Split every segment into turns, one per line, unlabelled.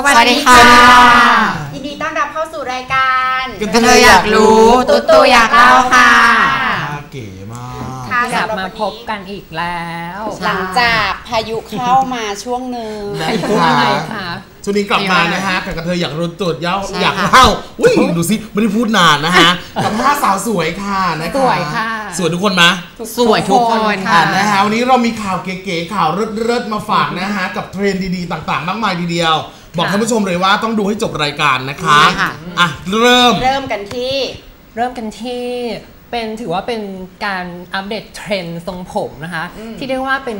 สวัสดีค่ะ
ยินดีต้อนรับเข้าสู่รายการ
กระเทยอยากรู้ตุ๊ตู่อยากเล่าค่ะ
เก๋มาก
กลับมาพบกันอีกแล้วหลังจากพายุเข้ามาช่วงหนึ่ง
ค่ะช่วงนี้กลับมานะฮะกับกระเทยอยากรู้ตุ๊ดอยากเล่าอุ้ยดูสิไม่ได้พูดนานนะฮะกับ5 สาวสวยค่ะนะคะ
สวยค่ะ
สวยทุกคนไหม
สวยทุกคน
ค่ะนะฮะวันนี้เรามีข่าวเก๋ๆข่าวเลิศๆมาฝากนะฮะกับเทรนด์ดีๆต่างๆมากมายทีเดียวบอกท่านผู้ชมเลยว่าต้องดูให้จบรายการนะคะอ่ะเริ่ม
กันที่เป็นถือว่าเป็นการอัปเดตเทรนด์ทรงผมนะคะที่เรียกว่าเป็น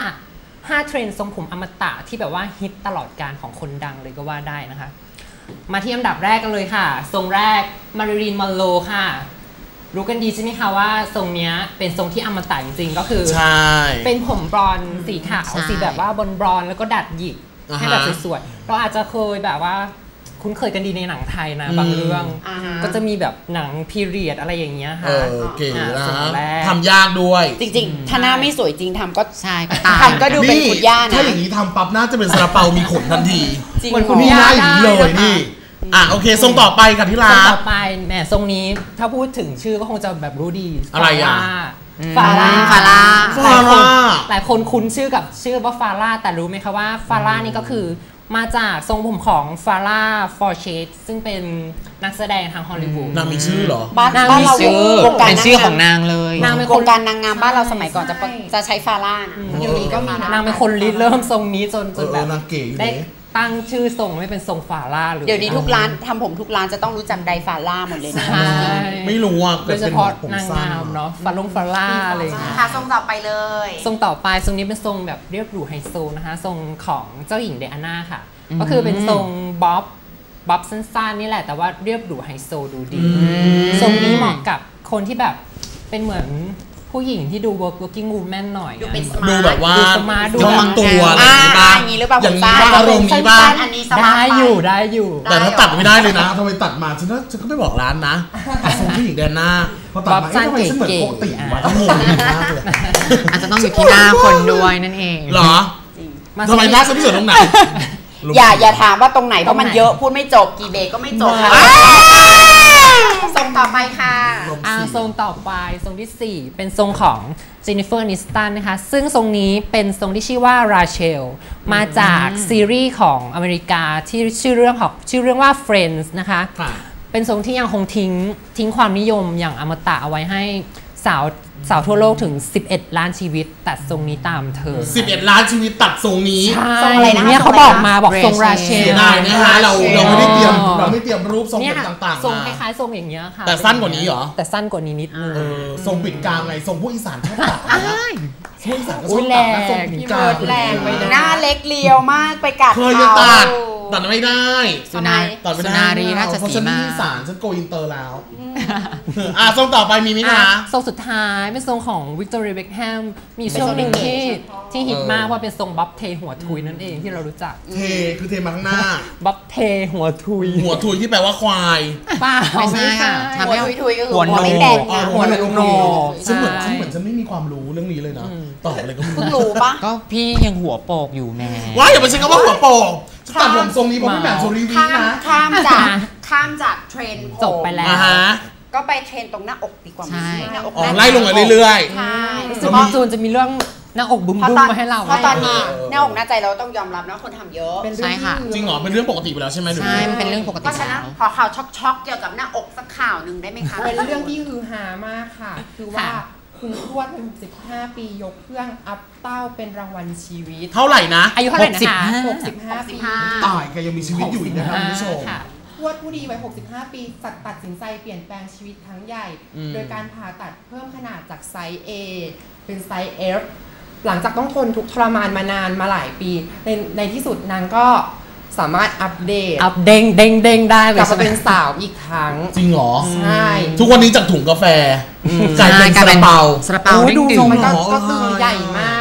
5เทรนด์ทรงผมอมตะที่แบบว่าฮิตตลอดกาลของคนดังเลยก็ว่าได้นะคะมาที่อันดับแรกกันเลยค่ะทรงแรกมาริลีน มอนโรค่ะรู้กันดีใช่ไหมคะว่าทรงนี้เป็นทรงที่อมตะจริงๆก็คือเป็นผมบลอนด์สีขาวสีแบบว่าบลอนด์แล้วก็ดัดหยิกให้แบบสวยๆเราอาจจะเคยแบบว่าคุ้นเคยกันดีในหนังไทยนะบางเรื่องก็จะมีแบบหนังพีเรียดอะไรอย่างเงี้ยค่ะ
เก๋นะทำยากด้วย
จริงๆถ้าหน้าไม่สวยจริงทำก็
ใช่
ทำก็ดูเป็นคุณย่านะ
ถ้าอย่างนี้ทำปั๊บน่าจะเป็นซาลาเปามีขนทันทีเหมือนคุณย่าอย่างนี้เลยนี่โอเคทรงต่อไปกับที่ร้านทรง
ต่อไปแหมทรงนี้ถ้าพูดถึงชื่อก็คงจะแบบรู้ดี
อะไรอ่ะ
ฟาร่าหลายคนคุ้นชื่อว่าฟาร่าแต่รู้ไหมคะว่าฟาร่านี่ก็คือมาจากทรงผมของฟาร่าฟอร์เชตซึ่งเป็นนักแสดงทางฮอลลีวูด
นางมีชื่อเหรอ
นางมีชื่อ
เป็นชื่อของนางเลย
นางเป็นคนการนางงามบ้านเราสมัยก่อนจะใช้ฟาร่าเดี๋ยวนี้ก็มีนางเป็นคนริเริ่มทรงนี้จนแบบได้ตั้งชื่อทรงไม่เป็นทรงฟาร่าเลยเดี๋ยวนี้ทุกร้านทำผมทุกร้านจะต้องรู้จักไดฟาร่าหมดเลยนะ
ไม่รู้อ่ะ
โดยเฉพาะนางงามเนาะฟาร่าอะไรอย่างเงี้ยค่ะทรงต่อไปเลยทรงต่อไปทรงนี้เป็นทรงแบบเรียบหรูไฮโซนะคะทรงของเจ้าหญิงไดอาน่าค่ะก็คือเป็นทรงบ๊อบสั้นๆนี่แหละแต่ว่าเรียบหรูไฮโซดูดีทรงนี้เหมาะกับคนที่แบบเป็นเหมือนผู้หญิงที่ดู working woman หน่อย
ดูแบบว่า
ดู
บางตัวอะไร
อย่างนี้หรือเปล่า
อย่างนี้บ้างอารมณ์นี้บ้าง
ได้อยู่
แต่ถ้าตัดไม่ได้เลยนะทำไมตัดมาฉันก็ไม่บอกร้านนะทรงผู้หญิงแดนหน้าพอตัดมาทำไมฉันเหมือนโคติวะทั้งงงมากเลย
อาจจะต้องอยู่ที่หน้าคนด้วยนั่นเอง
เหรอทำไมหน้าฉันไม่สวยตรงไหน
อย่าถามว่าตรงไหนเพราะมันเยอะพูดไม่จบกี่เบรกก็ไม่จบค่ะทรงต่อไปค่ะทรงต่อไปทรงที่4เป็นทรงของเจนนิเฟอร์ นิสตันนะคะซึ่งทรงนี้เป็นทรงที่ชื่อว่าราเชลมาจากซีรีส์ของอเมริกาที่ชื่อเรื่องว่า Friends นะคะเป็นทรงที่ยังคงทิ้งความนิยมอย่างอมตะเอาไว้ให้สาวทั่วโลกถึง11 ล้านชีวิตตัดทรงนี้ตามเธอ
11 ล้านชีวิตตัดทรงนี้
ทรงอะไรนะเนี่ยเขาบอกทรงราเชล
ได้นะฮะเราไม่ได้เตรียมรูปทรงต่างๆ
ทรงคล้ายๆทรงอย่างเงี้ยค่ะ
แต่สั้นกว่านี้เหรอ
แต่สั้นกว่านี้นิดนึง
ทรงปิดกลางไงทรงพวกอีสานชอบตัดพวกอีสานก็ชอบ
ตัดนะทรงปิดกลางแรงไปหน้าเล็กเลียวมากไปกัด
เคยจะตัดไม่ได้
สุนารีราชสีมา
อีสานฉันโกอินเตอร์แล้วทรงต่อไปมีมั้ยคะ
ทรงสุดท้ายเป็นทรงของวิกตอเรีย เบ็คแฮมมีช่วงหนึ่งที่ฮิตมากว่าเป็นทรงบ๊อบเทหัวทุยนั่นเองที่เรารู้จัก
คือเทมาข้างหน้า
บ๊อบเทหัวทุย
ที่แปลว่าควาย
ป้า
ไม่ใช่ค่ะทำให้
ทุยก็คือ
หัวโน
ฉันเหมือนฉันไม่มีความรู้เรื่องนี้เลยนะตอบอะไรก็ไม่
รู้ปะ
ก็พี่ยังหัวโปกอยู่แน่
ว่าอย่าไปใช้คำว่าหัวโปกตัดผมทรงนี้เพราะพี่แหม่มโซรีวีนะ
ข้ามจากเทรนด์จบไปแล้วก็ไปเทรนตรงหน้าอกดีกว่า
หน้าอกไล่ลงมาเรื่อย
ๆใช่รู้สึกว่าจูนจะมีเรื่องหน้าอกบุ้มมาให้เราเพราะตอนนี้หน้าอกหน้าใจเราต้องยอมรับนะคนทำเยอะ
ใช่ค่ะ
จริงเหรอเป็นเรื่องปกติไปแล้วใช่ไหม
ใช่เป็นเรื่องปกติ
เพราะฉะนั้นขอข่าวช็อกๆเกี่ยวกับหน้าอกสักข่าวหนึ่งได้ไหมคะ
เป็นเรื่องที่ฮือฮามากค่ะคือว่าคุณทวด65 ปียกเครื่องอัพเต้าเป็นรางวัลชีวิต
เท่าไหร่นะ
อายุเท่าไหร่นะคะ
65 ปี
ตายแกยังมีชีวิตอยู่อีกนะครับคุณผู้ชม
ทวดผู้ดีวัย65 ปีตัดสินใจเปลี่ยนแปลงชีวิตครั้งใหญ่โดยการผ่าตัดเพิ่มขนาดจากไซส์ A เป็นไซส์ F หลังจากต้องทนทุกข์ทรมานมานานมาหลายปีในที่สุดนางก็สามารถอัปเดต
เด้งได้
กลับมาเป็นสาวอีกครั้ง
จริงเหรอ
ใช่
ทุกวันนี้จากถุงกาแฟกลายเป็นซาลาเปา
ดู
ทรงมันก็คือใหญ่มาก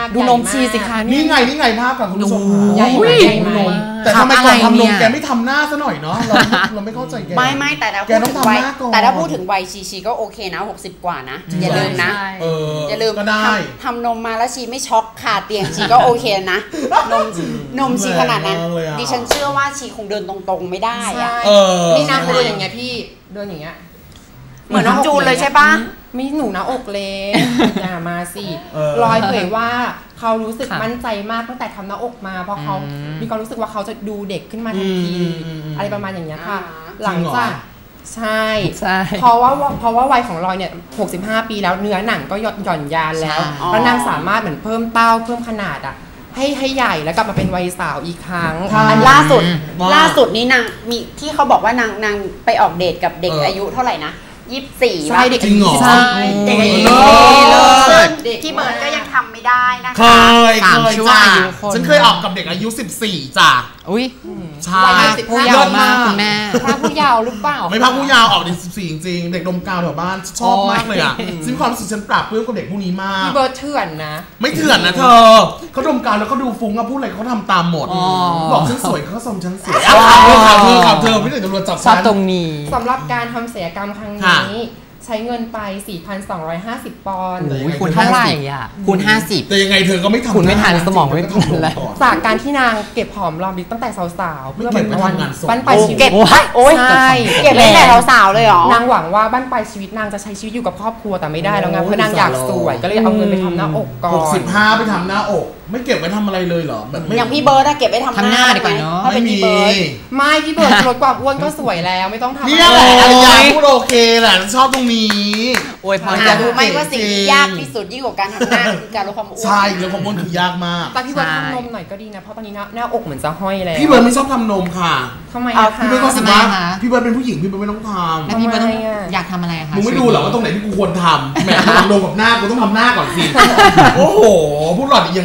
ดูนมชีสิคะ
นี่ไงภาพกับคุณผู้ชม
ใหญ่ไหมใหญ่ไหม
แต่ทำไมก่อนทำนมแกไม่ทำหน้าซะหน่อยเนาะเราไม่เข้าใจแก
ไม่แต่
แกต้องทำหน้าก่อน
แต่ถ้าพูดถึงวัยชีก็โอเคนะ60 กว่านะอย่าลืมนะ อย่าลืม
ก็ได้
ทำนมมาแล้วชีไม่ช็อกขาเตียงชีก็โอเคนะนมชีขนาดนั้นดิฉันเชื่อว่าชีคงเดินตรงๆไม่ได้อะ
นี่นะเขาเดินอย่างเงี้ยพี่เดินอย่างเงี้ย
เหมือนน้องจูนเลยใช่ปะ
ไม่หนูนะอกเล็กอย่ามาสิรอยเผยว่าเขารู้สึกมั่นใจมากตั้งแต่ทำหน้าอกมาเพราะเขามีความรู้สึกว่าเขาจะดูเด็กขึ้นมาทันทีอะไรประมาณอย่างเงี้ยค่ะหลังจากใช่เพราะว่าวัยของรอยเนี่ย65 ปีแล้วเนื้อหนังก็หย่อนยานแล้วแล้วนางสามารถเหมือนเพิ่มเต้าเพิ่มขนาดอ่ะให้ใหญ่แล้วกลับมาเป็นวัยสาวอีกครั้ง
อันล่าสุดนี้นางมีที่เขาบอกว่านางไปออกเดทกับเด็กอายุเท่าไหร่นะ24
ใช่เด็ก
จริงเหรอ
ใช่
ที่เบิร์ดก็ยังทำไม่ได้นะ
เค
คะ
ยจ้ะฉันเคยออกกับเด็กอายุ14จ้ะ
อุ้ย
ใช่
ผู้ยาวมากคุณแม่
พระผู้เยาว์หรือเปล่า
ไม่พักผู้ยาวออกเด็ก14จริงๆเด็กดมกาวแถวบ้านชอบมากเลยอ่ะซึ่งความรู้สึกฉันปราบปลื้มกับเด็กพวกนี้มาก
พี่เบิร์ดเถื่อนนะ
ไม่เถื่อนนะเธอเขาดมกาวแล้วก็ดูฟุ้งอะพูดอะไรเขาทำตามหมดบอกฉันสวยเขาก็ชมฉันสวยข่าวเธอไม่ได้ตำรวจจับ
ชอบ
ฉัน
ตรงนี้
สำหรับการทำศัลยกรรมครั้งนี้ใช้เงินไป 4,250 ปอนด์
โอ้ยคูณ
เท่าไหร่อ่ะ
คูณ50
แต่ยังไงเธอก็ไม่ทำ
คุณไม่ทันสมองไม่ทันแล้ว
จากการที่นางเก็บหอมรอมริบตั้งแต่สาวๆ
ไม่
เพื่อ
เก็บไว้
วัน
ทำงานศพ
บ้านปลายชีวิต
เก็บโอ้ย
ใช่
เก็บไว้แต่สาวๆเลยเหรอ
นางหวังว่าบ้านปลายชีวิตนางจะใช้ชีวิตอยู่กับครอบครัวแต่ไม่ได้แล้วไงเพราะนางอยากสวยก็เลยเอาเงินไปทำหน้าอกก่อน
65ไปทำหน้าอก ไม่เก็บไว้ทำอะไรเลยเหรอแบบไม่
อย่างพี่เบิร์ดอะเก็บไว้ทำ
ทำหน้าดีกว่าเนอะ
ถ้าเป็น
ไม่มี
พี่เบิร์ด
ไม่พี่เบิร์ดลดความอ้วนก็สวยแล้วไม่ต้องทำ
เนี่ยแหละ
อะไร
อารยาพูดโอเคแหละชอบตรงนี้
โอ้ยพอ
หา
จะ
รู้ไหมว่าสิ่งที่ยากที่สุดยิ่งกว่าการทำหน้าคือการลดความอ้วน
ใช่แล้วความอ้วนคือยากมาก
แต่พี่เบิร์ดทำนมหน่อยก็ดีนะเพราะตอนนี้หน้าอกเหมือนจะห้อยแล้ว
พี่เบิร์ดไม่ชอบทำนมค่ะ
ทำไมอะคะ
พี่เบิร์ดก็รู้สึกว่า
ทำไมคะ
พี่เบิร์ดเป็นผู้หญิงพี่เบิร์ดไม่ต้องท
แล้วพี่เบิร์ดต้อง
ทำไมอะ
อยากทำอะไรคะ
ำมึงไม่ดูเหรอว่าตรงไหนที่กูควรทำแหมทำนมกับหน้ากูต้องทำหน้าก่อนสิ โอ้โหพูดหลอดอีก